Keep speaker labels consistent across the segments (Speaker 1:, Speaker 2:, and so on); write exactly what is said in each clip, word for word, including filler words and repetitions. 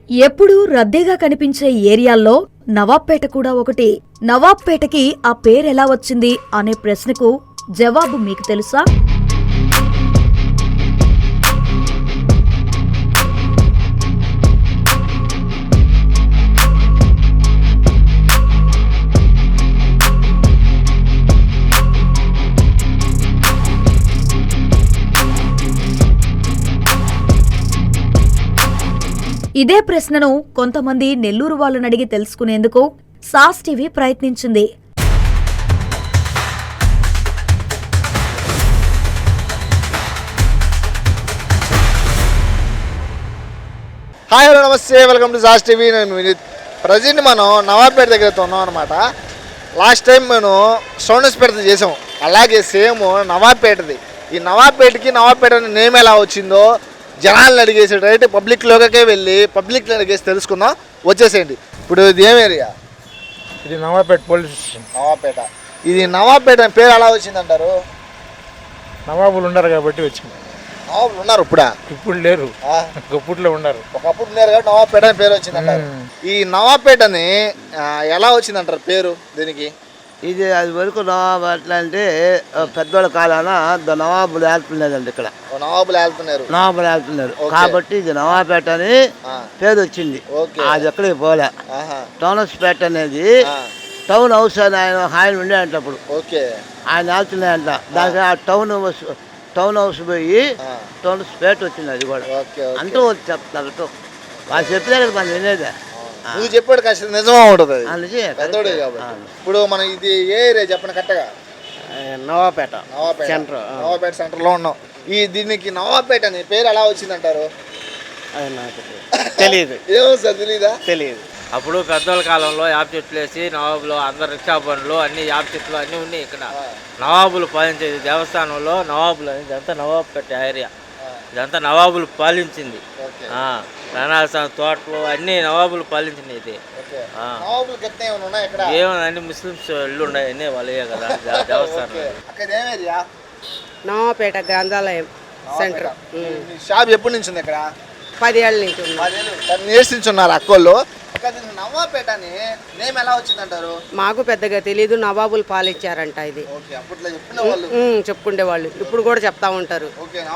Speaker 1: ఎప్పుడూ రద్దీగా కనిపించే ఏరియాల్లో నవాబ్పేట కూడా ఒకటి. నవాబ్పేటకి ఆ పేరెలా వచ్చింది అనే ప్రశ్నకు జవాబు మీకు తెలుసా? ఇదే ప్రశ్నను కొంతమంది నెల్లూరు వాళ్ళని అడిగి తెలుసుకునేందుకు సాస్ టీవీ ప్రయత్నించింది.
Speaker 2: హాయ్ హలో నమస్తే, వెల్కమ్ టు సాస్ టీవీ. నేను వినీత్. ప్రజెంట్ మనం నవాబ్పేట దగ్గరతో ఉన్నాం అనమాట. లాస్ట్ టైం మేము సోనస్పేట చేసాం, అలాగే సేమ్ నవాబ్పేటది. ఈ నవాబ్పేటకి నవాబ్పేట అనే నేమ్ ఎలా వచ్చిందో జనాలను అడిగేసి డైరెక్ట్ పబ్లిక్లోకే వెళ్ళి పబ్లిక్లో అడిగేసి తెలుసుకుందాం. వచ్చేసేయండి. ఇప్పుడు ఇది ఏం ఏరియా?
Speaker 3: ఇది నవాబ్పేట పోలీస్ స్టేషన్.
Speaker 2: నవాబ్పేట. ఇది నవాబ్పేట అని పేరు ఎలా వచ్చిందంటారు?
Speaker 3: నవాబులు ఉన్నారు కాబట్టి వచ్చింది.
Speaker 2: నవాబులు ఉన్నారు ఇప్పుడా?
Speaker 3: ఇప్పుడు లేరు, ఒకప్పుడులో ఉన్నారు.
Speaker 2: ఒకప్పుడు ఉన్నారు కాబట్టి నవాబ్పేట అని పేరు వచ్చిందంటారు. ఈ నవాబ్పేటని ఎలా వచ్చిందంటారు పేరు దీనికి?
Speaker 4: ఇది అది వరకు నవాబు అట్లా అంటే పెద్దోళ్ళ కాలాన నవాబులు వెళ్తున్నారండి. ఇక్కడ
Speaker 2: నవాబులు వెళ్తున్నారు
Speaker 4: నవాబులు వెళ్తున్నారు కాబట్టి ఇది నవాబ్పేట అని పేరు వచ్చింది. అది ఎక్కడికి పోలే. టౌనస్పేట అనేది టౌన్ హౌస్ అని ఆయన ఆయన ఉండేయంట అప్పుడు. ఆయన వెళ్తున్నాయంట. దానికి ఆ టౌన్ టౌన్ హౌస్ పోయి టౌనస్పేట వచ్చింది. అది కూడా అంటూ చెప్తారు. వాళ్ళు చెప్పినా కదా మనం వినేదే.
Speaker 2: నువ్వు చెప్పాడు ఖచ్చితంగా నిజమా ఉంటుంది. పెద్దోడే కాబట్టి. ఇప్పుడు మనం ఇది ఏ ఏరియా చెప్పండి కరెక్ట్గా?
Speaker 4: నవాబ్పేట
Speaker 2: నవాబ్పేట
Speaker 4: సెంటర్.
Speaker 2: నవాబ్పేట సెంటర్లో ఉన్నాం. ఈ దీనికి నవాబ్పేట అని పేరు ఎలా వచ్చిందంటారు?
Speaker 4: తెలియదు.
Speaker 2: ఏమో సార్ తెలీదా?
Speaker 4: తెలియదు.
Speaker 5: అప్పుడు పెద్దోళ్ళ కాలంలో యాప్ చెట్లు వేసి నవాబులు అందరు రిక్షా బండ్లు అన్ని యాప్ చెట్లు అన్నీ ఉన్నాయి. ఇక్కడ నవాబులు పాలించేది దేవస్థానంలో నవాబులు అని. ఇదంతా నవాబ్పేట ఏరియా. ఇదంతా నవాబులు పాలించింది. రణాలస్వామి తోటలు అన్ని నవాబులు పాలించింది. ఇది ఏమన్నా అన్ని ముస్లిమ్స్ ఇల్లు ఉన్నాయి, అన్నీ వాళ్ళే కదా దేవస్థానం.
Speaker 6: నవాబ్పేట గ్రంథాలయం సెంటర్.
Speaker 2: షాప్ ఎప్పటి నుంచి ఉంది ఇక్కడ?
Speaker 6: పది ఏళ్ళ నుంచి ఉంది.
Speaker 2: టెన్ ఇయర్స్ నుంచి ఉన్నారు అక్కోళ్ళు. నవాబ్పేట అని నేమ్ ఎలా వచ్చిందంటారు?
Speaker 6: మాకు పెద్దగా తెలీదు. నవాబులు పాలించారంట ఇది. చెప్పుకుంటే వాళ్ళు ఇప్పుడు కూడా చెప్తా ఉంటారు.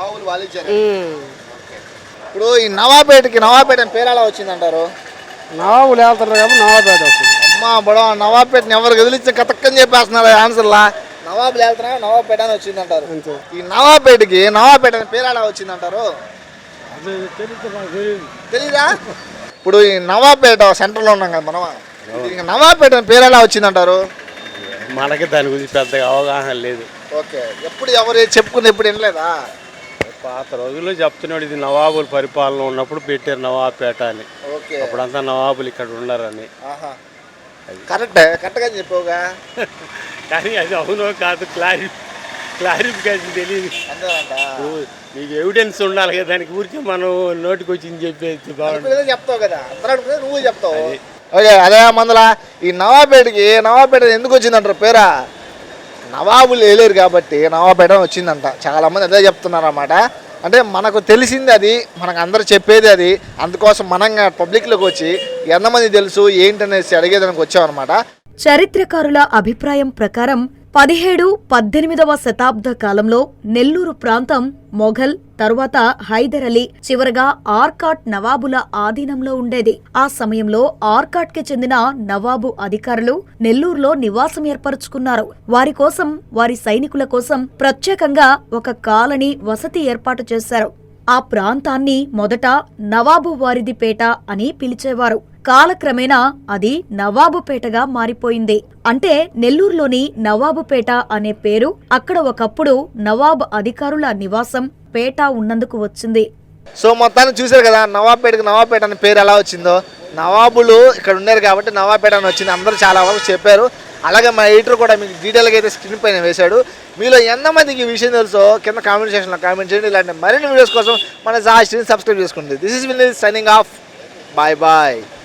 Speaker 2: ఇప్పుడు ఈ నవాబ్పేటకి నవాబ్పేట అని పేరు ఎలా వచ్చిందంటారు?
Speaker 3: నవాబులు వెళ్తారు కాబట్టి నవాబ్పేట వస్తుంది.
Speaker 2: అమ్మా బడా నవాబ్పేటని ఎవరు కదిలించి కతక్కని చెప్పేస్తున్నారు ఆన్సర్లా. నవాబులు వెళ్తున్నా నవాబ్పేట అని వచ్చిందంటారు. ఈ నవాబ్పేటకి నవాబ్పేట అని పేరు ఎలా వచ్చిందంటారు? తెలీదా? ఇప్పుడు ఈ నవాబ్పేట సెంటర్లో ఉన్నాం కదా మనం. నవాబ్పేట పేరు ఎలా వచ్చిందంటారు?
Speaker 7: మనకి దాని గురించి పెద్దగా అవగాహన లేదు.
Speaker 2: ఓకే. ఎప్పుడు ఎవరు చెప్పుకుంది ఎప్పుడు వినలేదా?
Speaker 7: పాత రోజుల్లో చెప్తున్నాడు ఇది నవాబుల పరిపాలన ఉన్నప్పుడు పెట్టారు నవాబ్పేట అని. అప్పుడంతా నవాబులు ఇక్కడ ఉన్నారని.
Speaker 2: కరెక్టే, కరెక్ట్గా చెప్పవుగా.
Speaker 7: కానీ అది అవునో కాదు క్లారి క్లారిఫికేషన్ తెలియదు. నీకు ఎవిడెన్స్ ఉండాలి కదా, దానికి ఊరికే మనం నోటికి వచ్చింది చెప్పేది బాగుంటుంది.
Speaker 2: చెప్తావు కదా, అందరూ నువ్వు చెప్తావు. ఓకే. అదే మందల ఈ నవాబ్పేటకి నవాబ్పేట ఎందుకు వచ్చిందంటారు పేరా? నవాబులు వేయలేరు కాబట్టి నవాబ్పేట వచ్చిందంట. చాలామంది అదే చెప్తున్నారు అన్నమాట. అంటే మనకు తెలిసింది అది, మనకు అందరూ చెప్పేది అది. అందుకోసం మనంగా పబ్లిక్లోకి వచ్చి ఎంతమంది తెలుసు ఏంటనేసి అడిగేదానికి వచ్చామన్నమాట.
Speaker 1: చరిత్రకారుల అభిప్రాయం ప్రకారం పదిహేడు పద్దెనిమిదవ శతాబ్ద కాలంలో నెల్లూరు ప్రాంతం మొఘల్, తరువాత హైదర్ అలీ, చివరగా ఆర్కాట్ నవాబుల ఆధీనంలో ఉండేది. ఆ సమయంలో ఆర్కాట్ కి చెందిన నవాబు అధికారులు నెల్లూరులో నివాసం ఏర్పరచుకున్నారు. వారి కోసం, వారి సైనికుల కోసం ప్రత్యేకంగా ఒక కాలనీ వసతి ఏర్పాటు చేశారు. ఆ ప్రాంతాన్ని మొదట నవాబు వారిదిపేట అని పిలిచేవారు. కాలక్రమేణా అది నవాబుపేటగా మారిపోయింది. అంటే నెల్లూరులోని నవాబుపేట అనే పేరు అక్కడ ఒకప్పుడు నవాబ్ అధికారుల నివాసం పేట ఉన్నందుకు వచ్చింది.
Speaker 2: సో మొత్తాన్ని చూశారు కదా నవాబ్పేటకి నవాబ్పేట అనే పేరు ఎలా వచ్చిందో. నవాబులు ఇక్కడ ఉన్నారు కాబట్టి నవాబ్పేట అని వచ్చింది. అందరూ చాలా వరకు చెప్పారు. అలాగే మా ఎడిటర్ కూడా మీకు డీటెయిల్గా అయితే స్క్రీన్ పైన వేశాడు. మీలో ఎంతమందికి ఈ విషయం తెలుసో కింద కామెంట్ సెక్షన్లో కామెంట్ చేయండి. ఇలాంటి మరిన్ని వీడియోస్ కోసం మన సాస్ టీవీని సబ్స్క్రైబ్ చేసుకోండి. This is Vineeth signing off. Bye bye.